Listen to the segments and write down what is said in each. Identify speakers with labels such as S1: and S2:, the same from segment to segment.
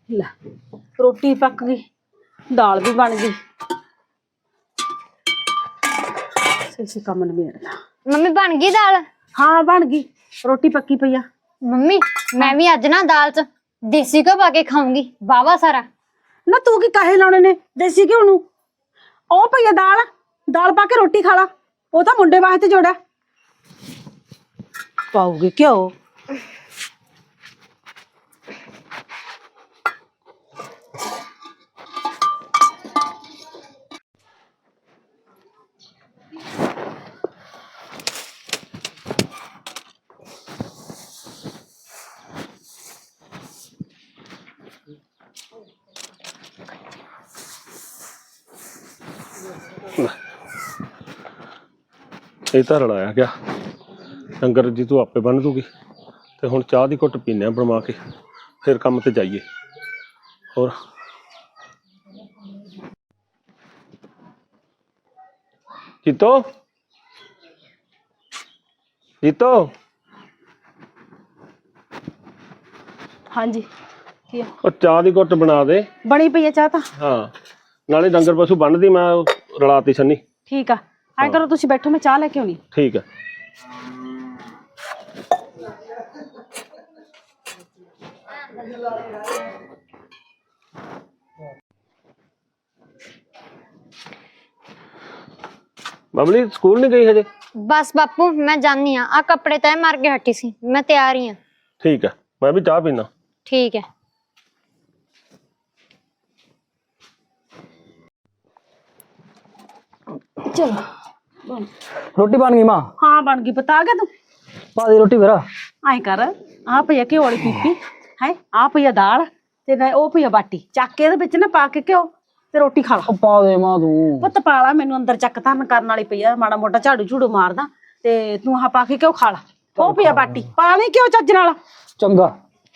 S1: ਲੈ ਰੋਟੀ ਪੱਕ ਗਈ, ਦਾਲ ਵੀ बन गई। इसी काम निबेड़ना।
S2: मम्मी बन गई दाल?
S1: हाँ बन गई, रोटी पक्की पई आ।
S2: मम्मी मैं भी अज ना दाल च देसी घ्यो पा के खाऊंगी वावा सारा।
S1: ना तू की काहे लाने ने देसी घ्यो नू? ओ पई आ दाल, दाल पा के रोटी खा ला। ओ तां मुंडे वास्ते जोड़ा पाऊगी घ्यो।
S3: ਇਹ ਤਾਂ ਰਲਾਇਆ ਗਿਆ ਡੰਗਰ ਜੀ ਤੂੰ ਆਪੇ ਬੰਨ ਦੂਗੀ ਤੇ ਹੁਣ ਚਾਹ ਦੀ ਘੁੱਟ ਪੀਨੇ ਆ ਬਣਵਾ ਕੇ ਫਿਰ ਕੰਮ ਤੇ ਜਾਈਏ। ਹੋਰ ਜੀਤੋ ਜੀਤੋ
S1: हाँ जी की
S3: ਉਹ ਚਾਹ ਦੀ ਘੁੱਟ ਬਣਾ ਦੇ।
S1: बनी पई है चाह तां?
S3: ਹਾਂ ਨਾਲੇ ਡੰਗਰ ਪਸ਼ੂ ਬੰਨਦੀ ਮੈਂ ਰਲਾਤੀ ਸੰਨੀ।
S1: ठीक आ ऐ करो तुसीं बैठो मैं चाह लेके आउणी।
S3: ठीक है। बबली स्कूल नहीं गई हजे?
S2: बस बापू मैं जानी हाँ, आ कपड़े तय मार के हटी सी, मैं तैयार ही हाँ।
S3: ठीक है, मैं भी चाह पीना।
S2: ठीक है।
S1: चलो
S4: रोटी बन गई मां?
S1: हाँ बन गई, बता गया तू?
S4: पा दे रोटी मेरा।
S1: ऐ कर आ पई घ्यो वाली पीपी है, आ पई दाल ते ना ओ पई बाटी, चक के इहदे विच ना पा के घ्यो ते रोटी खा ला।
S4: ओ पा दे मां तू।
S1: पुत्त पा ला, मैनू अंदर चक धरन करन वाली पई आ, माड़ा मोटा झाड़ू झूड़ू मारदा ते तू आ पा के घ्यो खा ला। ओ पई बाटी पा ले घ्यो चज नाल।
S4: चंगा।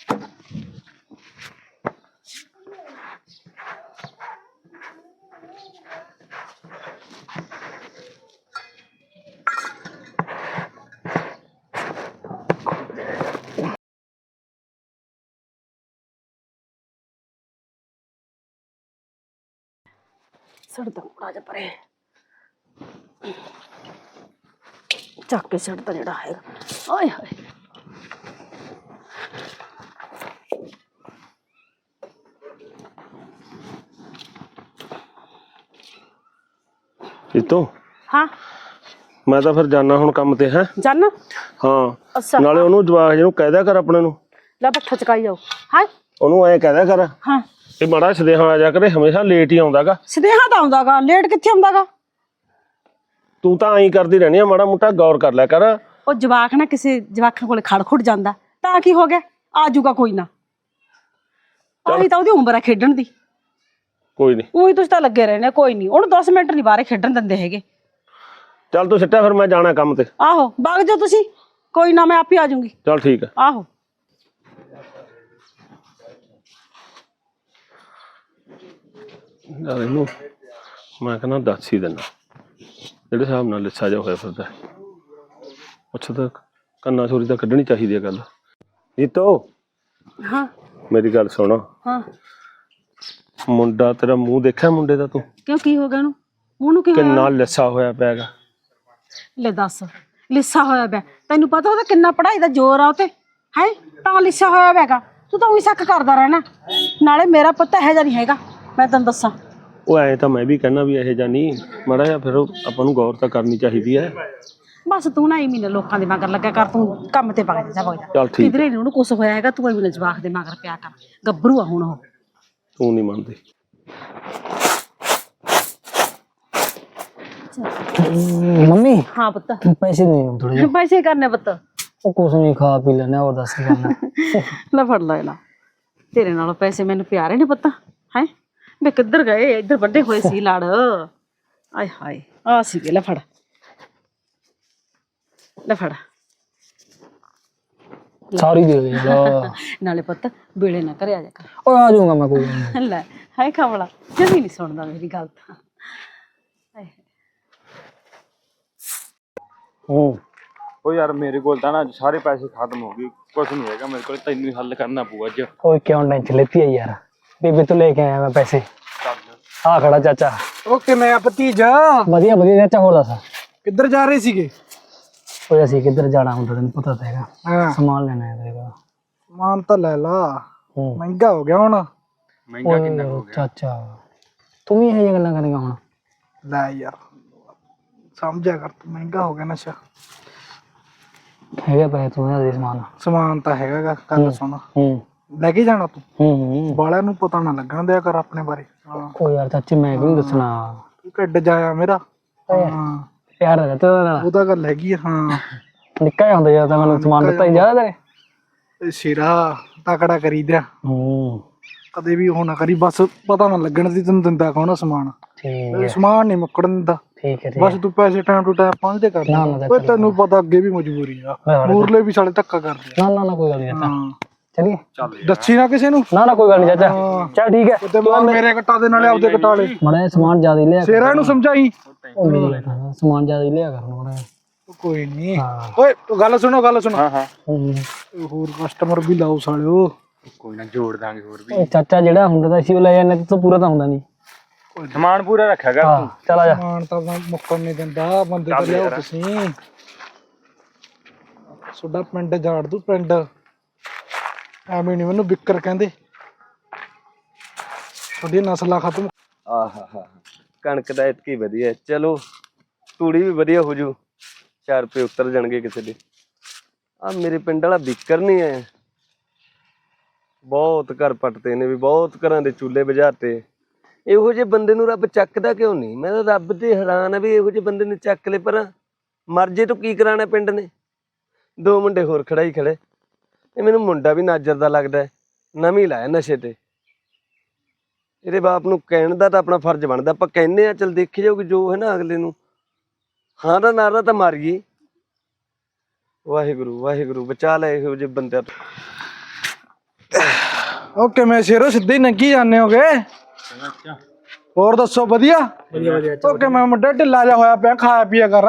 S1: सड़दा मुड़ा जा परे चक के सड़दा जेड़ा है। ओए होए
S3: जीतो
S1: हाँ
S3: मैं तो फिर जाना हुण काम ते है।
S1: जाना?
S3: हाँ
S1: अच्छा
S3: नाले ओनू जवाक जी नू कह दिया कर अपने नू,
S1: ला पट्ठा चकाई जाओ। हाँ
S3: ओनू ऐ कह दिया कर
S1: हाँ
S3: कि माड़ा सदेहा आ जा करे, हमेशा लेट ही आउंदागा।
S1: सदेहा तां आउंदागा, लेट कित्थे आउंदागा?
S3: तू तां ऐं करदी रहनी आ, माड़ा मोटा गौर कर लिया कर।
S1: ਉਹ ਜਵਾਕ ਨਾ ਕਿਸੇ ਜਵਾਕਾਂ ਕੋਲੇ ਖੜ ਖੁੜ ਜਾਂਦਾ ਤਾਂ ਕੀ ਹੋ ਗਿਆ, ਆ ਜਾਊਗਾ ਕੋਈ ਨਾ। ਆਹੀ ਤਾਂ ਉਹਦੀ ਉਮਰ ਹੈ ਖੇਡਣ ਦੀ।
S3: कोई नहीं,
S1: ਉਹੀ ਤੁਸੀਂ ਤਾਂ ਲੱਗੇ ਰਹਿੰਦੇ, ਕੋਈ ਨਹੀਂ ਉਹਨੂੰ 10 ਮਿੰਟ ਨਹੀਂ ਬਾਹਰ ਖੇਡਣ ਦਿੰਦੇ ਹੈਗੇ।
S3: चल तू सिट्टा फिर मैं जाना काम ते।
S1: ਆਹੋ ਵਗ ਜਾਓ ਤੁਸੀਂ, ਕੋਈ ਨਾ ਮੈਂ ਆਪੇ ਆ ਜਾਊਂਗੀ।
S3: चल ठीक है।
S1: ਆਹੋ
S3: यार इनू मैं कहना दस ही देना ਜਿਹੜੇ ਹਿਸਾਬ ਨਾਲ ਲਿੱਸਾ ਜਾ ਹੋਇਆ ਫਿਰਦਾ। ਅੱਛਾ ਤਾਂ ਕੰਨਾ ਛੋਰੀ ਤਾਂ ਕੱਢਣੀ ਚਾਹੀਦੀ ਹੈ ਗੱਲ। ਜੀਤੋ
S1: ਹਾਂ
S3: ਮੇਰੀ ਗੱਲ ਸੁਣ,
S1: ਹਾਂ
S3: ਮੁੰਡਾ ਤੇਰਾ ਮੂੰਹ ਦੇਖਿਆ ਮੁੰਡੇ ਦਾ ਤੂੰ?
S1: ਕਿਉਂ ਕੀ ਹੋ ਗਿਆ ਉਹਨੂੰ? ਉਹਨੂੰ ਕੀ ਹੋਇਆ?
S3: ਕਿੰਨਾ ਲਿੱਸਾ ਹੋਇਆ ਪਿਆ ਹੈਗਾ।
S1: ਲੈ ਦੱਸ, ਲਿੱਸਾ ਹੋਇਆ ਪਿਆ? ਤੈਨੂੰ ਪਤਾ ਉਹਦਾ ਕਿੰਨਾ ਪੜ੍ਹਾਈ ਦਾ ਜ਼ੋਰ ਆ ਉਤੇ ਹੈ, ਤਾਂ ਲਿੱਸਾ ਹੋਇਆ ਪਿਆਗਾ। ਤੂੰ ਤਾਂ ਉਹੀ ਸ਼ੱਕ ਕਰਦਾ ਰਹਿਣਾ। ਨਾਲੇ ਮੇਰਾ ਪੁੱਤ ਇਹੋ ਜਿਹਾ ਨਹੀਂ ਹੈਗਾ, ਮੈਂ ਤੈਨੂੰ ਦੱਸਾਂ।
S3: ਉਹ ਐ ਤਾਂ ਮੈਂ ਵੀ ਕਹਿਣਾ ਵੀ ਇਹੋ ਜਿਹਾ ਨਹੀਂ, ਮਾੜਾ ਜਿਹਾ ਫਿਰ ਆਪਾਂ ਨੂੰ ਗੌਰ ਤਾਂ ਕਰਨੀ ਚਾਹੀਦੀ ਹੈ।
S1: ਬਸ ਤੂੰ ਨਾ ਮਹੀਨੇ ਲੋਕਾਂ ਦੇ ਮਗਰ ਲੱਗਾ ਕਰ, ਤੂੰ ਕੰਮ ਤੇ ਵਗ ਜਾ
S3: ਚੱਲ ਠੀਕ
S1: ਕਿਧਰੇ ਨੀ ਉਹਨੂੰ ਕੁਛ ਹੋਇਆ ਹੈਗਾ। ਤੂੰ ਐਵੇਂ ਜਵਾਕ ਦੇ ਮਗਰ ਪਿਆ ਕਰ, ਗੱਭਰੂ ਆ ਹੁਣ ਉਹ।
S3: ਤੂੰ ਨਹੀਂ ਮੰਨਦੀ।
S4: मम्मी
S1: हाँ पुत्त
S4: पैसे नहीं थोड़े
S1: पैसे करने पुत्त?
S4: ਉਹ ਕੁਛ ਨਹੀਂ ਖਾ ਪੀ ਲੈਣੇ, ਹੋਰ ਦੱਸ ਕੀ ਕਰਨਾ।
S1: ਲੈ ਫੜ ਲੈ ਲਾ, ਤੇਰੇ ਨਾਲੋਂ ਪੈਸੇ ਮੈਨੂੰ ਪਿਆਰੇ ਨੇ ਪੁੱਤ ਹੈ। ਮੈਂ ਕਿੱਧਰ ਗਏ, ਇੱਧਰ ਵੱਡੇ ਹੋਏ ਸੀ ਲੜ। ਆਏ ਹਾਏ ਆ ਸੀਗੇ, ਲੈ ਫੜ ਲੈ ਫੜ।
S4: ਸਾਰੀ ਦੇ ਦੇ ਯਾਰ।
S1: ਨਾਲੇ ਪੁੱਤ ਵੇਲੇ ਨਾ ਘਰੇ ਆ ਜਾ ਕਰ।
S4: ਓਏ ਆ ਜਾਊਂਗਾ ਮੈਂ ਕੋਈ ਨਹੀਂ।
S1: ਲੈ ਹਾਏ ਖਾਵਲਾ ਜਮੀ ਨਹੀਂ ਸੁਣਦਾ ਮੇਰੀ ਗੱਲ ਤਾਂ।
S5: ओ यार मेरे को ना सारे पैसे खत्म हो गए, कुछ नहीं है मेरे को, तेन हल करना पऊगा अज।
S4: ਓਏ ਕਿਉਂ ਟੈਨਸ਼ਨ ਲੈਤੀ ਹੈ ਯਾਰ? ਬੇਬੇ ਤੋਂ ਲੈ ਕੇ ਆਇਆ ਮੈਂ ਪੈਸੇ। ਆ ਖੜਾ ਚਾਚਾ।
S6: ਓਕੇ ਮੈਂ ਭਤੀਜਾ
S4: ਵਧੀਆ ਵਧੀਆ ਚਾਚਾ, ਹੋਰ ਦੱਸ।
S6: ਕਿੱਧਰ ਜਾ ਰਹੇ ਸੀਗੇ?
S4: ਓਏ ਅਸੀਂ ਕਿੱਧਰ ਜਾਣਾ ਹੁੰਦਾ, ਤੈਨੂੰ ਪਤਾ ਤਾਂ ਹੈਗਾ।
S6: ਹਾਂ
S4: ਸਮਾਨ ਲੈਣਾ ਹੈ ਤੇਰੇ ਕੋਲ।
S6: ਸਮਾਨ ਤਾਂ ਲੈ ਲਾ,
S4: ਹੂੰ।
S6: ਮਹਿੰਗਾ ਹੋ ਗਿਆ ਹੁਣ।
S5: ਮਹਿੰਗਾ ਕਿੰਨਾ ਹੋ ਗਿਆ?
S4: ਚਾਚਾ ਤੂੰ ਵੀ ਇਹ ਜਿਹੀਆਂ ਗੱਲਾਂ ਕਰੇਗਾ ਹੁਣ?
S6: ਲੈ ਯਾਰ ਸਮਝਿਆ ਕਰ ਤੂੰ, ਮਹਿੰਗਾ ਹੋ ਗਿਆ ਨਸ਼ਾ।
S4: ਹੈਗਾ ਪੈਸੇ ਤੂੰ ਦੇ ਸਮਾਨ।
S6: ਸਮਾਨ ਤਾਂ ਹੈਗਾ ਗਾ, ਗੱਲ ਸੁਣ।
S4: ਹੂੰ
S6: ਲੈ ਕੇ ਜਾਣਾ ਤੂੰ,
S4: ਹੂੰ।
S6: ਬਾਲਿਆਂ ਨੂੰ ਪਤਾ ਨਾ ਲੱਗਣ ਦਿਆ ਕਰ ਆਪਣੇ ਬਾਰੇ। ਹਾਂ
S4: ਓ ਯਾਰ ਚਾਚੇ ਮੈਂ ਕਿਉਂ ਦੱਸਣਾ?
S6: ਤੂੰ ਕੱਢ ਜਾਇਆ ਮੇਰਾ। ਹਾਂ
S4: ਪਿਆਰ ਹੈ ਤੇਰੇ ਨਾਲ।
S6: ਉਹ ਤਾਂ ਗੱਲ ਹੈਗੀ ਆ। ਹਾਂ
S4: ਨਿੱਕਾ ਜਿਹਾ ਹੁੰਦਾ ਜਦੋਂ ਤਾਂ ਮੈਨੂੰ ਸਮਾਨ ਦਿੱਤਾ ਹੀ ਜ਼ਿਆਦਾ ਤੇਰੇ।
S6: ਇਹ ਸਿਰਾ ਤਕੜਾ ਕਰੀਦਾ,
S4: ਹੂੰ
S6: ਕਦੇ ਵੀ ਉਹ ਨਾ ਕਰੀ, ਬਸ ਪਤਾ ਨਾ ਲੱਗਣ ਦੀ ਤੈਨੂੰ ਦਿੰਦਾ ਕੌਣ ਆ ਸਮਾਨ।
S4: ਠੀਕ
S6: ਇਹ
S4: ਹੈ
S6: ਸਮਾਨ ਨਹੀਂ ਮੁੱਕਣ ਦਿੰਦਾ,
S4: ਠੀਕ ਹੈ।
S6: ਬਸ ਤੂੰ ਪੈਸੇ ਟਾਈਮ ਟੂ ਟਾਈਮ ਪਹੁੰਚਦੇ ਕਰ।
S4: ਨਾ, ਨਾ,
S6: ਓਏ ਤੈਨੂੰ ਪਤਾ ਅੱਗੇ ਵੀ ਮਜਬੂਰੀ ਆ, ਮੂਰਲੇ ਵੀ ਸਾਲੇ ਧੱਕਾ ਕਰਦੇ ਆ।
S4: ਨਾ ਕੋਈ ਗੱਲ ਨਹੀਂ ਚਾਚਾ।
S6: ਹਾਂ
S4: ਚਲੀਏ।
S6: ਦੱਸੀ ਨਾ ਕਿਸੇ ਨੂੰ।
S4: ਨਾ ਕੋਈ ਗੱਲ ਨਹੀਂ ਚਾਚਾ, ਚੱਲ ਠੀਕ ਹੈ।
S6: ਤੇ ਮੇਰੇ ਕਟਾ ਦੇ ਨਾਲੇ ਆਪਦੇ ਕਟਾ ਲੈ।
S4: ਮੜਾ ਸਮਾਨ ਜ਼ਿਆਦਾ ਹੀ ਲਿਆ ਕਰ।
S6: ਸ਼ੇਰਾਂ ਨੂੰ ਸਮਝਾਈ।
S4: ਉਹ ਮੇਰੀ ਗੱਲ ਸੁਣ, ਸਮਾਨ ਜ਼ਿਆਦਾ ਹੀ ਲਿਆ ਕਰ ਮੜਾ।
S6: ਕੋਈ ਨਹੀਂ।
S4: ਹਾਂ।
S6: ਓਏ ਗੱਲ ਸੁਣੋ, ਗੱਲ ਸੁਣੋ।
S5: ਹਾਂ ਹਾਂ
S6: ਹੋਰ ਕਸਟਮਰ ਵੀ ਲਾਓ ਸਾਲਿਓ।
S5: ਕੋਈ ਨਾ ਜੋੜ ਦਾਂਗੇ ਹੋਰ ਵੀ।
S4: ਉਹ ਚਾਚਾ ਜਿਹੜਾ ਹੁੰਦਾ ਤਾਂ ਸੀ ਉਹ ਲੈ ਜਾਂਦੇ, ਤੂੰ ਪੂਰਾ ਤਾਂ ਹੁੰਦਾ ਨਹੀਂ।
S5: ਸਮਾਨ ਪੂਰਾ ਰੱਖਿਆ ਕਰ
S4: ਹਾਂ
S5: ਤੂੰ।
S4: ਚੱਲ ਆ ਜਾ।
S6: ਸਮਾਨ ਤਾਂ ਮੁੱਕਣ ਨਹੀਂ ਦਿੰਦਾ, ਬੰਦੇ ਤਾਂ ਲਿਆਓ ਤੁਸੀਂ। ਤੁਹਾਡਾ ਪਿੰਡ ਝਾੜ ਦੂ ਪਿੰਡ, ਐਵੇਂ ਨਹੀਂ ਮੈਨੂੰ ਬਿੱਕਰ ਕਹਿੰਦੇ। ਤੁਹਾਡੀ ਨਸਲਾਂ ਖਤਮ।
S7: ਆਹਾ ਕਣਕ ਦਾ ਇਤਕੀ ਵਧੀਆ, ਚਲੋ ਤੂੜੀ ਵੀ ਵਧੀਆ ਹੋ ਜੂ, 4 ਰੁਪਏ ਉੱਤਰ ਜਾਣਗੇ ਕਿਸੇ ਦੇ। ਆ ਮੇਰੇ ਪਿੰਡ ਵਾਲਾ ਬਿੱਕਰ ਨਹੀਂ ਹੈ, ਬਹੁਤ ਘਰ ਪੱਟਦੇ ਨੇ ਵੀ, ਬਹੁਤ ਘਰਾਂ ਦੇ ਚੁੱਲ੍ਹੇ ਬੁਝਾਤੇ। ਇਹੋ ਜਿਹੇ ਬੰਦੇ ਨੂੰ ਰੱਬ ਚੱਕਦਾ ਕਿਉਂ ਨਹੀਂ? ਮੈਂ ਤਾਂ ਰੱਬ ਤੇ ਹੈਰਾਨ ਆ ਵੀ ਇਹੋ ਜਿਹੇ ਬੰਦੇ ਨੇ ਚੱਕ ਲਏ। ਪਰ ਮਰਜੇ ਤੋਂ ਕੀ ਕਰਾਣਾ ਪਿੰਡ ਨੇ? 2 ਮੁੰਡੇ ਹੋਰ ਖੜਾ ਹੀ ਖੜੇ। ਇਹ ਮੈਨੂੰ ਮੁੰਡਾ ਵੀ ਨਾਜਰ ਦਾ ਲੱਗਦਾ, ਨਵੀਂ ਲਾਇਆ ਨਸ਼ੇ ਤੇ। ਇਹਦੇ ਬਾਪ ਨੂੰ ਕਹਿਣ ਦਾ ਤਾਂ ਆਪਣਾ ਫਰਜ਼ ਬਣਦਾ, ਆਪਾਂ ਕਹਿੰਦੇ ਆ ਚੱਲ ਦੇਖੀ ਜਾਊਗੀ ਜੋ ਹੈ ਨਾ ਅਗਲੇ ਨੂੰ। ਹਾਂ ਦਾ ਨਾਰਾ ਤਾਂ ਮਾਰੀਏ। ਵਾਹਿਗੁਰੂ ਵਾਹਿਗੁਰੂ ਬਚਾ ਲੈ ਇਹੋ ਜਿਹੇ ਬੰਦਿਆਂ ਤੋਂ।
S6: ਓਕੇ ਮੈਂ ਸ਼ੇਰੋ ਸਿੱਧੇ ਹੀ ਨੰਗੀ ਜਾਂਦੇ ਹੋਗੇ। ਹੋਰ ਦੱਸੋ? ਵਧੀਆ ਓਕੇ ਮੈਂ ਮੁੰਡਾ ਢਿੱਲਾ ਜਿਹਾ ਹੋਇਆ ਪਿਆ, ਖਾਇਆ ਪੀਆ ਕਰ।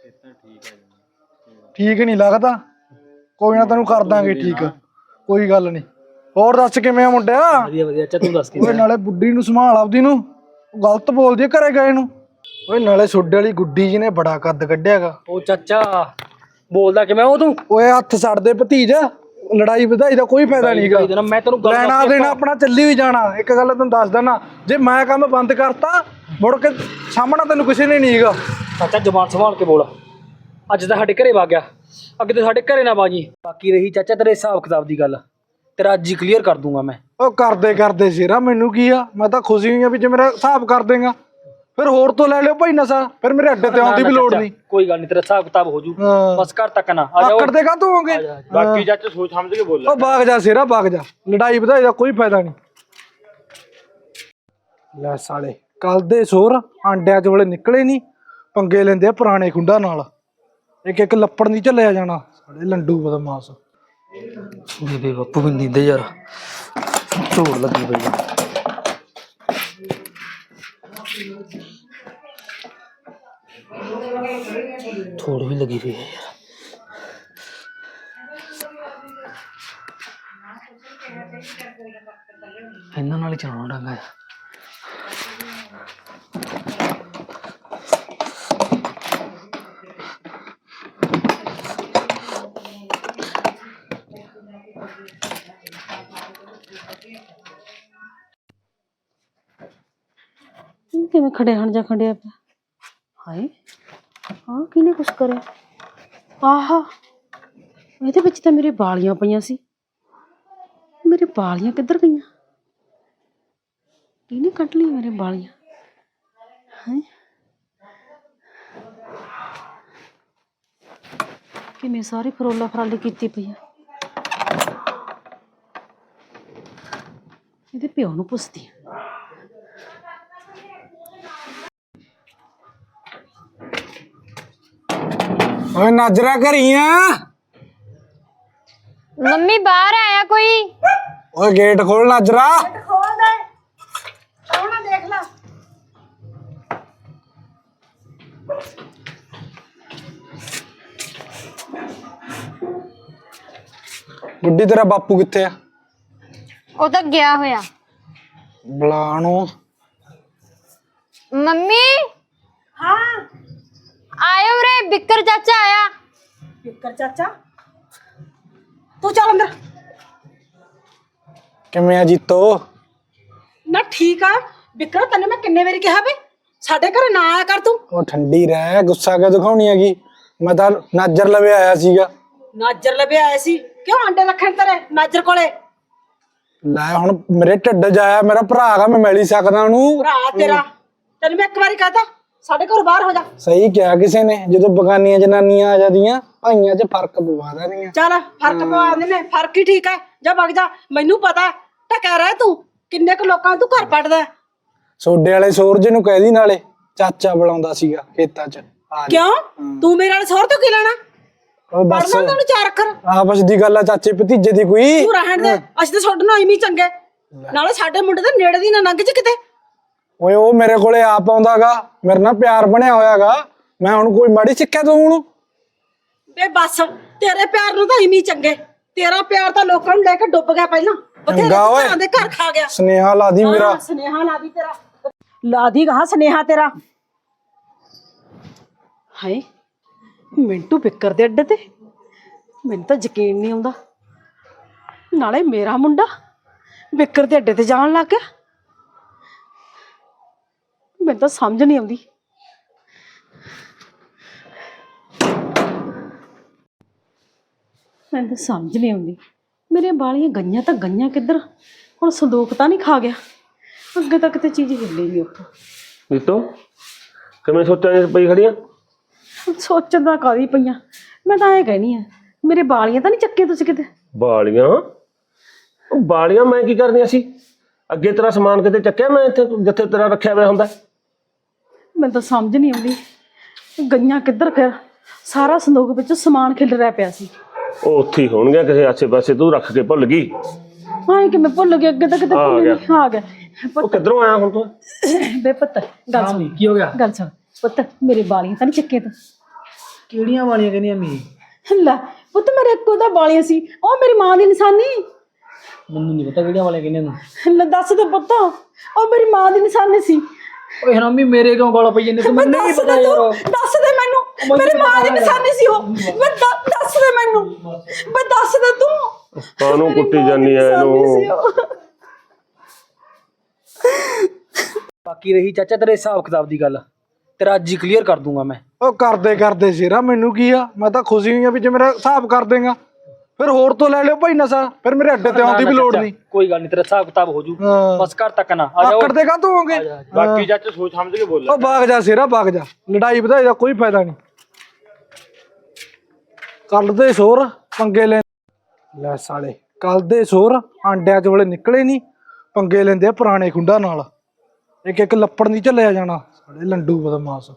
S6: ਠੀਕ ਨਹੀਂ ਲੱਗਦਾ? ਕੋਈ ਨਾ ਤੈਨੂੰ ਕਰ ਦਾਂਗੇ ਠੀਕ, ਕੋਈ ਗੱਲ ਨਹੀਂ। ਹੋਰ ਦੱਸ ਕਿਵੇਂ ਆ ਮੁੰਡਿਆ?
S4: ਵਧੀਆ ਵਧੀਆ ਚਾਚਾ, ਤੂੰ ਦੱਸ।
S6: ਓਏ ਨਾਲੇ ਬੁੱਢੀ ਨੂੰ ਸੰਭਾਲ ਆਪਦੀ ਨੂੰ, ਗਲਤ ਬੋਲਦੀ ਘਰੇ ਗਏ ਨੂੰ। ਓਏ ਨਾਲੇ ਸੋਡੇ ਵਾਲੀ ਗੁੱਡੀ ਜੀ ਨੇ ਬੜਾ ਕੱਦ ਕੱਢਿਆਗਾ।
S4: ਉਹ ਚਾਚਾ ਬੋਲਦਾ ਕਿਵੇਂ ਉਹ ਤੂੰ?
S6: ਓਏ ਹੱਥ ਛੱਡਦੇ ਭਤੀਜ, ਲੜਾਈ ਵਧਾਈ ਦਾ ਕੋਈ ਫਾਇਦਾ ਨਹੀਂਗਾ।
S4: ਮੈਂ ਤੈਨੂੰ ਗੱਲ
S6: ਲੈਣਾ ਦੇਣਾ ਆਪਣਾ ਚੱਲੀ ਵੀ ਜਾਣਾ। ਇੱਕ ਗੱਲ ਤੈਨੂੰ ਦੱਸ ਦਿੰਦਾ, ਜੇ ਮੈਂ ਕੰਮ ਬੰਦ ਕਰਤਾ ਮੁੜ ਕੇ ਸਾਹਮਣਾ ਤੈਨੂੰ ਕਿਸੇ ਨੇ ਨਹੀਂ ਹੈਗਾ।
S4: ਚਾਚਾ ਜ਼ੁਬਾਨ ਸੰਭਾਲ ਕੇ ਬੋਲ। ਅੱਜ ਤਾਂ ਸਾਡੇ ਘਰੇ ਵਗ ਗਿਆ, ਅੱਗੇ ਤੇ ਸਾਡੇ ਘਰੇ ਨਾ ਬਾਜੀ। ਬਾਕੀ ਰਹੀ ਚਾਚਾ ਤੇਰੇ ਹਿਸਾਬ ਕਿਤਾਬ ਦੀ ਗੱਲ, ਤੇਰਾ ਅੱਜ ਹੀ ਕਲੀਅਰ ਕਰ ਦੂੰਗਾ ਮੈਂ।
S6: ਉਹ ਕਰਦੇ ਸ਼ੇਰਾ ਮੈਨੂੰ ਕੀ ਆ, ਮੈਂ ਤਾਂ ਖੁਸ਼ੀ ਹੋਈ ਆ ਵੀ ਜੇ ਮੇਰਾ ਹਿਸਾਬ ਕਰ ਦੇਗਾ। ਫਿਰ ਹੋਰ ਤੋਂ ਲੈ ਲਿਓ ਭਾਈ ਨਸ਼ਾ, ਫਿਰ ਮੇਰੇ ਅੱਡੇ ਤੇ ਆਉਣ ਦੀ ਵੀ ਲੋੜ ਨਹੀਂ।
S4: ਕੋਈ ਗੱਲ ਨਹੀਂ, ਤੇਰਾ ਹਿਸਾਬ ਕਿਤਾਬ ਹੋ ਜੂ, ਬਸ ਘਰ ਤੱਕ ਨਾ ਆ ਜਾਓ।
S6: ਆਕੜ ਦੇ ਕਾਹਤੋਂ ਹੋਗੇ?
S5: ਬਾਕੀ ਚਾਚਾ ਸੋਚ ਸਮਝ ਕੇ ਬੋਲ।
S6: ਉਹ ਭਾਗ ਜਾ ਸ਼ੇਰਾ ਭਾਗ ਜਾ, ਲੜਾਈ ਵਧਾਈ ਦਾ ਕੋਈ ਫਾਇਦਾ ਨਹੀਂ। ਲੈ ਸਾਲੇ ਕੱਲ ਦੇ ਸੋਰ ਆਂਡਿਆਂ ਚ ਵਾਲੇ ਨਿਕਲੇ ਨਹੀਂ, ਪੰਗੇ ਲੈਂਦੇ ਆ ਪੁਰਾਣੇ ਖੁੰਡਾਂ ਨਾਲ। ਇੱਕ ਇੱਕ ਲੱਪੜ ਨਹੀਂ ਝੱਲਿਆ ਜਾਣਾ, ਸਾਲੇ ਲੰਡੂ ਬਦਮਾਸ਼।
S4: ਬੇਬੇ ਬਾਪੂ ਵੀ ਨੀਂਦੇ ਯਾਰ, ਝੋੜ ਲੱਗੀ ਪਈ ਆ। ਥੋੜ ਵੀ ਲੱਗੀ ਪਈ ਹੈ ਯਾਰ। ਇਹਨਾਂ ਨਾਲ ਹੀ ਚਲਾਉਣਾ ਡੰਗਾ।
S1: ਕਿਵੇਂ ਖੜੇ ਹਣ ਜਾ ਖੜਿਆ ਪਿਆ? ਹਾਏ ਆਹ ਕਿਹਨੇ ਕੁਛ ਕਰਿਆ? ਆਹਾ ਇਹਦੇ ਵਿੱਚ ਤਾਂ ਮੇਰੇ ਵਾਲੀਆਂ ਪਈਆਂ ਸੀ। ਮੇਰੇ ਵਾਲੀਆਂ ਕਿੱਧਰ ਗਈਆਂ? ਕਿਹਨੇ ਕੱਢ ਲਈ ਮੇਰੇ ਵਾਲੀਆਂ? ਹੈ ਕਿਵੇਂ ਸਾਰੀ ਫਰੋਲਾ ਫਰਾਲੀ ਕੀਤੀ ਪਈ ਆ। ਇਹਦੇ ਪਿਓ ਨੂੰ ਪੁੱਛਦੀ ਆ।
S6: ਓਏ ਨਾਜਰਾ ਘਰੀ ਆ?
S2: ਮੰਮੀ ਬਾਹਰ ਆਇਆ ਕੋਈ?
S6: ਓਏ ਗੇਟ ਖੋਲ ਨਾਜਰਾ।
S1: ਖੋਲ ਦੇ, ਸੋਹਣਾ ਦੇਖ ਲੈ।
S6: ਗੁੱਡੀ ਤੇਰਾ ਬਾਪੂ ਕਿੱਥੇ ਆ?
S2: ਉਹ ਤਾਂ ਗਿਆ ਹੋਇਆ।
S6: ਬੁਲਾਣੋ
S2: ਮੰਮੀ
S1: ਹਾਂ
S2: ਆਇਓ ਰੇ ਬਿੱਕਰ ਚਾਚਾ ਆਇਆ।
S1: ਫਿਕਰ ਚਾਚਾ ਤੂੰ ਚੱਲ ਅੰਦਰ।
S6: ਕਿਵੇਂ ਆ ਜੀਤੋ?
S1: ਨਾ ਠੀਕ ਆ ਬਿਕਰ, ਤੈਨੂੰ ਮੈਂ ਕਿੰਨੇ ਵਾਰੀ ਕਿਹਾ ਵੇ ਸਾਡੇ ਘਰੇ ਨਾ ਆਇਆ ਕਰ ਤੂੰ।
S6: ਉਹ ਠੰਡੀ ਰਹਿ, ਗੁੱਸਾ ਕਿਉਂ ਦਿਖਾਉਣੀ ਹੈਗੀ? ਮੈਂ ਤਾਂ ਨਾਜਰ ਲਵੇ ਆਇਆ ਸੀਗਾ।
S1: ਨਾਜਰ ਲਵੇ ਆਏ ਸੀ, ਕਿਉਂ ਆਂਡੇ ਰੱਖਣ ਤੇਰੇ ਨਾਜਰ ਕੋਲੇ?
S6: ਲੈ ਹੁਣ ਮੇਰੇ ਢਿੱਡ ਜਾਇਆ, ਮੇਰਾ ਭਰਾ ਹੈਗਾ, ਮੈਂ ਮਿਲ ਹੀ ਸਕਦਾ ਉਹਨੂੰ।
S1: ਭਰਾ ਤੇਰਾ, ਤੈਨੂੰ ਮੈਂ ਇੱਕ ਵਾਰੀ ਕਹਤਾ ਸਾਡੇ ਘਰੋਂ ਬਾਹਰ ਹੋ ਜਾ।
S6: ਸਹੀ ਕਿਹਾ ਕਿਸੇ ਨੇ, ਜਦੋਂ ਬਗਾਨੀਆਂ ਜਨਾਨੀਆਂ ਆ ਜਾਂਦੀਆਂ ਭਾਈਆਂ 'ਚ ਫਰਕ ਪਵਾ ਦਿੰਦੀਆਂ।
S1: ਚੱਲ ਫਰਕ ਪਵਾ ਦਿੰਦੇ ਨੇ, ਫਰਕ ਹੀ ਠੀਕ ਹੈ। ਜਾ ਵਗ ਜਾ, ਮੈਨੂੰ ਪਤਾ ਟਕਾ ਰਹਿ ਤੂੰ ਕਿੰਨੇ ਕੁ ਲੋਕਾਂ ਨੂੰ ਤੂੰ ਘਰ ਪੜਦਾ।
S6: ਸੋਡੇ ਵਾਲੇ ਸੂਰਜ ਨੂੰ ਕਹਿਦੀ, ਨਾਲੇ ਚਾਚਾ ਬੁਲਾਉਂਦਾ ਸੀਗਾ ਖੇਤਾਂ 'ਚ। ਆ ਜਾ।
S1: ਕਿਉਂ ਤੂੰ ਮੇਰੇ ਨਾਲ ਸਹੁਰ ਤੋਂ ਕੀ ਲੈਣਾ?
S6: ਉਹ ਬਸ
S1: ਪੜਨਾ ਤੈਨੂੰ ਚਾਰ ਅੱਖਰ
S6: ਆਪਸ ਦੀ ਗੱਲ ਆ ਚਾਚੇ ਭਤੀਜੇ ਦੀ ਕੋਈ।
S1: ਤੂੰ ਰਹਿਣ ਦੇ, ਅਸੀਂ ਤਾਂ ਤੁਹਾਡੇ ਨਾਲ ਇਵੇਂ ਹੀ ਚੰਗੇ। ਨਾਲੇ ਸਾਡੇ ਮੁੰਡੇ ਦੇ ਨੇੜੇ ਦੀ ਨਾ ਲੰਘ ਚ ਕਿਤੇ।
S6: ਓਏ ਉਹ ਮੇਰੇ ਕੋਲੇ ਆਪ ਆਉਂਦਾਗਾ, ਮੇਰੇ ਨਾਲ ਪਿਆਰ ਬਣਿਆ ਹੋਇਆਗਾ। ਮੈਂ ਹੁਣ ਕੋਈ ਮਾੜੀ ਸਿੱਖਿਆ ਤੂੰ ਹੁਣ?
S1: ਬੇ ਬਸ ਤੇਰੇ ਪਿਆਰ ਨੂੰ ਤਾਂ ਇਵੇਂ ਹੀ ਚੰਗੇ। ਤੇਰਾ ਪਿਆਰ ਤਾਂ ਲੋਕਾਂ ਨੂੰ ਲੈ ਕੇ ਡੁੱਬ ਗਿਆ ਪਹਿਲਾਂ, ਬਥੇਰੇ ਘਰਾਂ ਦੇ ਘਰ ਖਾ ਗਿਆ।
S6: ਸੁਨੇਹਾ ਲਾ ਦੀ ਮੇਰਾ।
S1: ਸੁਨੇਹਾ ਲਾ ਦੀ ਤੇਰਾ, ਲਾ ਦੀ ਕਹਾ ਸੁਨੇਹਾ ਤੇਰਾ। ਹਾਏ ਮਿੰਟੂ ਬਿੱਕਰ ਦੇ ਅੱਡੇ ਤੇ ਮੈਨੂੰ ਤਾਂ ਯਕੀਨ ਨਹੀਂ ਆਉਂਦਾ। ਨਾਲੇ ਮੇਰਾ ਮੁੰਡਾ ਬਿੱਕਰ ਦੇ ਅੱਡੇ ਤੇ ਜਾਣ ਲੱਗ ਗਿਆ। ਮੈਨੂੰ ਤਾਂ ਸਮਝ ਨਹੀਂ ਆਉਂਦੀ। ਮੈਨੂੰ ਤਾਂ ਸਮਝ ਨਹੀਂ ਆਉਂਦੀ, ਮੇਰੀਆਂ ਬਾਲੀਆਂ ਗਈਆਂ ਤਾਂ ਗਈਆਂ ਕਿੱਧਰ? ਹੁਣ ਸੰਦੂਕ ਤਾਂ ਨਹੀਂ ਖਾ ਗਿਆ? ਅੱਗੇ ਤੱਕ ਤੇ ਚੀਜ਼ ਹਿੱਲੀ ਨਹੀਂ ਉੱਥੋਂ।
S3: ਨੀਤੋ ਕਿਵੇਂ ਸੋਚਾਂ ਚ ਪਈ ਖੜੀਆਂ?
S1: ਸੋਚਣ ਦਾ ਕਾਹਦੀ ਪਈਆਂ, ਮੈਂ ਤਾਂ ਐਂ ਕਹਿਣੀ ਆ ਮੇਰੇ ਬਾਲੀਆਂ ਤਾਂ ਨਹੀਂ ਚੱਕੇ ਤੁਸੀਂ ਕਿਤੇ?
S3: ਬਾਲੀਆਂ? ਉਹ ਬਾਲੀਆਂ ਮੈਂ ਕੀ ਕਰਨੀਆਂ ਸੀ? ਅੱਗੇ ਤੇਰਾ ਸਮਾਨ ਕਿਤੇ ਚੱਕਿਆ ਮੈਂ ਇੱਥੇ ਜਿੱਥੇ ਤੇਰਾ ਰੱਖਿਆ ਹੋਇਆ ਹੁੰਦਾ?
S1: ਮੈਨੂੰ ਤਾਂ ਸਮਝ ਨਹੀਂ ਆਉਂਦੀ ਗਈਆਂ ਕਿੱਧਰ। ਫਿਰ ਸਾਰਾ ਸੰਦੂਕ ਵਿੱਚ ਸਮਾਨ ਖਿਲ ਰਿਹਾ ਪਿਆ ਸੀ।
S3: ਉਹ ਉੱਥੇ ਹੀ ਹੋਣਗੇ ਕਿਸੇ ਆਸੇ ਪਾਸੇ, ਤੂੰ ਰੱਖ ਕੇ ਭੁੱਲ ਗਈ।
S1: ਹਾਂ ਕਿ ਮੈਂ ਭੁੱਲ ਗਿਆ, ਅੱਗੇ ਤੱਕ ਤੇ ਭੁੱਲ ਨਹੀਂ। ਆ ਗਿਆ
S3: ਉਹ ਕਿੱਧਰੋਂ ਆਇਆ ਹੁਣ ਤੂੰ?
S1: ਬੇ ਪੁੱਤ ਗੱਲ ਸੁਣ।
S4: ਕੀ ਹੋ ਗਿਆ?
S1: ਗੱਲ ਸੁਣ ਪੁੱਤ, ਮੇਰੇ ਬਾਲੀਆਂ ਤਾਂ ਨਹੀਂ ਚੱਕੇ ਤੂੰ?
S4: ਕਿਹੜੀਆਂ ਵਾਲੀਆਂ ਕਹਿੰਦੀਆਂ ਮੀ?
S1: ਲੈ ਪੁੱਤ ਮੇਰੇ ਇੱਕੋ ਦਾ ਬਾਲੀਆਂ ਸੀ, ਉਹ ਮੇਰੀ ਮਾਂ ਦੀ ਨਿਸ਼ਾਨੀ।
S4: ਮੈਨੂੰ ਨਹੀਂ ਪਤਾ ਕਿਹੜੀਆਂ ਵਾਲੀਆਂ ਕਹਿੰਦੀਆਂ ਤੂੰ।
S1: ਲੈ ਦੱਸ ਦੇ ਪੁੱਤ, ਉਹ ਮੇਰੀ ਮਾਂ ਦੀ ਨਿਸ਼ਾਨੀ ਸੀ।
S4: ਓਏ ਹਰਾਮੀ ਮੇਰੇ ਕਿਉਂ ਗਾਲਾਂ ਪਈ ਜਾਂਦੇ? ਤੂੰ ਮੈਨੂੰ ਨਹੀਂ ਪਤਾ ਯਾਰ।
S1: ਦੱਸ ਦੇ ਮੈਨੂੰ, ਮੇਰੀ ਮਾਂ ਦੀ ਨਿਸ਼ਾਨੀ ਸੀ ਉਹ। ਮੈਂ ਦੱਸ ਦੇ ਮੈਨੂੰ, ਮੈਂ ਦੱਸ ਦੇ ਤੂੰ।
S3: ਕਾਹਨੂੰ ਕੁੱਟੀ ਜਾਨੀ ਐ ਇਹਨੂੰ?
S4: ਬਾਕੀ ਰਹੀ ਚਾਚਾ ਤੇਰੇ ਹਿਸਾਬ ਕਿਤਾਬ ਦੀ ਗੱਲ, ਤੇਰਾ ਅੱਜ ਹੀ ਕਲੀਅਰ ਕਰ ਦੂੰਗਾ ਮੈਂ।
S6: ਉਹ ਕਰਦੇ ਸ਼ੇਰਾ, ਮੈਨੂੰ ਕੀ ਆ? ਮੈਂ ਤਾਂ ਖੁਸ਼ੀ ਹੋਈ ਆ ਵੀ ਜੇ ਮੇਰਾ ਹਿਸਾਬ ਕਰ ਦੇਗਾ। ਫਿਰ ਹੋਰ ਤੋਂ ਲੈ ਲਿਓ ਭਾਈ ਨਸ਼ਾ, ਫਿਰ ਮੇਰੇ ਅੱਡੇ ਤੇ ਆਉਣ ਦੀ ਵੀ ਲੋੜ ਨਹੀਂ।
S4: ਕੋਈ ਗੱਲ ਨਹੀਂ, ਤੇਰਾ ਹਿਸਾਬ ਕਿਤਾਬ ਹੋ ਜੂ।
S6: ਹਾਂ।
S4: ਬਸ ਘਰ ਤੱਕ ਨਾ ਆ ਜਾਓ।
S6: ਆਕੜ ਦੇ ਕਾ ਤੂੰ ਹੋਗੇ?
S5: ਬਾਕੀ ਚਾਚਾ ਸੋਚ ਸਮਝ ਕੇ ਬੋਲ।
S6: ਉਹ ਭਾਗ ਜਾ ਸ਼ੇਰਾ, ਭਾਗ ਜਾ। ਲੜਾਈ ਵਧਾਈ ਦਾ ਕੋਈ ਫਾਇਦਾ ਨਹੀਂ। ਕੱਲ ਦੇ ਸੋਰ ਪੰਗੇ ਲੈ ਸਾਲੇ, ਕੱਲ ਦੇ ਸੋਰ ਆਂਡਿਆਂ ਚ ਵੇਲੇ ਨਿਕਲੇ ਨਹੀਂ, ਪੰਗੇ ਲੈਂਦੇ ਆ ਪੁਰਾਣੇ ਖੁੰਡਾ ਨਾਲ। ਇੱਕ ਇੱਕ ਲੱਪੜ ਨਹੀਂ ਝੱਲਿਆ ਜਾਣਾ, ਸਾਲੇ ਲੰਡੂ ਬਦਮਾਸ਼।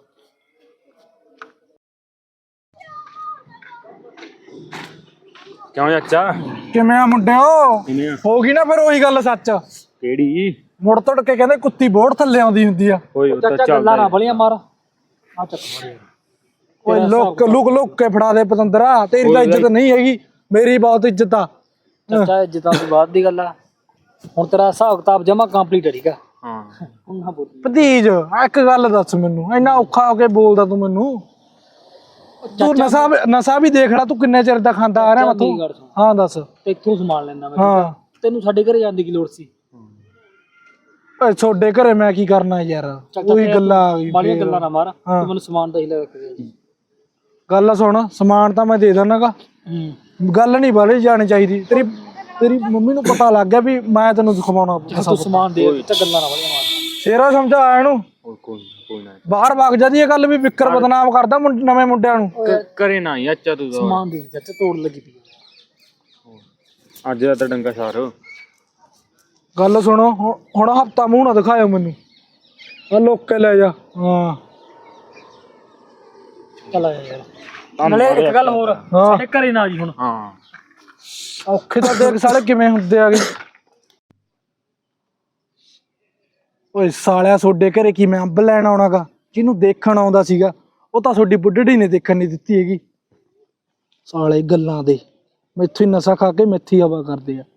S5: ਕਿਉਂ ਚਾਚਾ?
S6: ਕਿਵੇਂ ਆ ਮੁੰਡਿਓ? ਹੋ ਗਈ ਨਾ ਫਿਰ ਉਹੀ ਗੱਲ ਸੱਚ?
S5: ਕਿਹੜੀ?
S6: ਮੁੜ ਤੁੜ ਕੇ ਕਹਿੰਦੇ ਕੁੱਤੀ ਬੋੜ ਥੱਲੇ ਆਉਂਦੀ ਹੁੰਦੀ ਆ।
S5: ਓਏ ਉਹ ਤਾਂ
S4: ਚਾਚਾ ਗੱਲਾਂ ਨਾ ਬਲੀਆਂ ਮਾਰ। ਆ ਚੱਕ
S6: ਓਏ ਲੁਕ ਕੇ ਫੜਾ ਦੇ ਪਤੰਦਰਾ, ਤੇਰੀ ਤਾਂ ਇੱਜ਼ਤ ਨਹੀਂ ਹੈਗੀ, ਮੇਰੀ ਬਹੁਤ ਇੱਜ਼ਤ ਆ।
S4: ਚਾਚਾ ਇੱਜ਼ਤਾਂ ਦੀ ਬਾਤ ਦੀ ਗੱਲ ਆ। ਹੁਣ ਤੇਰਾ ਹਿਸਾਬ ਕਿਤਾਬ ਜਮਾ ਕੰਪਲੀਟ ਹੈ, ਠੀਕ ਆ?
S5: ਹਾਂ।
S4: ਹੁਣ ਨਾ ਬੋਲ।
S6: ਭਤੀਜ ਇੱਕ ਗੱਲ ਦੱਸ ਮੈਨੂੰ, ਇੰਨਾ ਔਖਾ ਹੋ ਕੇ ਬੋਲਦਾ ਤੂੰ ਮੈਨੂੰ? ਤੂੰ ਨਸ਼ਾ ਵੀ ਦੇਖ ਲੈ, ਤੂੰ ਕਿੰਨੇ ਚਿਰ ਦਾ ਖਾਂਦਾ ਆ ਰਿਹਾ ਮੈਥੋਂ। ਹਾਂ ਦੱਸ।
S4: ਤੇ ਇੱਥੋਂ ਸਮਾਨ ਲੈਣਾ ਮੈਂ,
S6: ਹਾਂ
S4: ਤੈਨੂੰ ਸਾਡੇ ਘਰੇ ਜਾਣ ਦੀ ਕੀ ਲੋੜ ਸੀ?
S6: ਓਏ ਛੋਡੇ ਘਰੇ ਮੈਂ ਕੀ ਕਰਨਾ ਯਾਰ? ਉਹੀ ਗੱਲਾਂ ਆ ਗਈ।
S4: ਬਾਲੀਆਂ ਗੱਲਾਂ ਨਾ ਮਾਰ, ਤੂੰ ਮੈਨੂੰ ਸਮਾਨ ਤਾਂ ਹੀ ਲੈ ਕੇ।
S6: ਗੱਲ ਸੁਣ, ਸਮਾਨ ਤਾਂ ਮੈਂ ਦੇ ਦੇਣਾਗਾ, ਗੱਲ ਨਹੀਂ ਬਾਲੀ ਜਾਣੀ ਚਾਹੀਦੀ। ਤੇਰੀ ਮੰਮੀ ਨੂੰ ਪਤਾ ਲੱਗ ਗਿਆ ਵੀ ਮੈਂ ਤੈਨੂੰ ਖਵਾਉਣਾ।
S4: ਤੂੰ ਸਮਾਨ ਦੇ, ਤੇ ਗੱਲਾਂ ਨਾ ਬਲੀਆਂ ਮਾਰ।
S6: ਸ਼ੇਰਾ ਸਮਝਾ ਇਹਨੂੰ,
S5: ਕੋਈ ਨਾ
S6: ਬਾਹਰ ਵਗ ਜਾਂਦੀ ਇਹ ਗੱਲ ਵੀ ਵਿਕਰ ਬਦਨਾਮ ਕਰਦਾ ਨਵੇਂ ਮੁੰਡਿਆਂ ਨੂੰ।
S5: ਕਰੇ ਨਾ ਚਾਚਾ ਤੂੰ।
S4: ਸਮਾਨ ਦੇ ਚਾਚਾ, ਤੋੜ ਲੱਗੀ ਪਈ
S5: ਅੱਜ ਦਾ ਤਾਂ ਡੰਗਾ ਸਾਰ।
S6: ਗੱਲ ਸੁਣੋ, ਹੁਣ ਹਫਤਾ ਮੂੰਹ ਨਾ ਦਿਖਾਇਓ ਮੈਨੂੰ, ਆ ਲੋਕ ਕੇ ਲੈ ਜਾ। ਹਾਂ
S4: ਚੱਲ ਆ ਯਾਰ। ਨਾਲੇ ਇੱਕ ਗੱਲ ਹੋਰ, ਸਾਡੇ ਘਰੇ ਨਾ ਜੀ ਹੁਣ।
S5: ਹਾਂ
S6: ਔਖੇ ਤਾਂ ਦੇਖ ਸਾਲੇ ਕਿਵੇਂ ਹੁੰਦੇ ਆਗੇ। ਓਏ ਸਾਲਿਆ, ਤੁਹਾਡੇ ਘਰੇ ਕੀ ਮੈਂ ਅੰਬ ਲੈਣ ਆਉਣਾਗਾ? ਜਿਹਨੂੰ ਦੇਖਣ ਆਉਂਦਾ ਸੀਗਾ ਉਹ ਤਾਂ ਤੁਹਾਡੀ ਬੁੱਢੜੀ ਨੇ ਦੇਖਣ ਨਹੀਂ ਦਿੱਤੀ ਹੈਗੀ। ਸਾਲੇ ਗੱਲਾਂ ਦੇ, ਮੈਥੋਂ ਹੀ ਨਸ਼ਾ ਖਾ ਕੇ ਮੈਥੀ ਹਵਾ ਕਰਦੇ ਆ।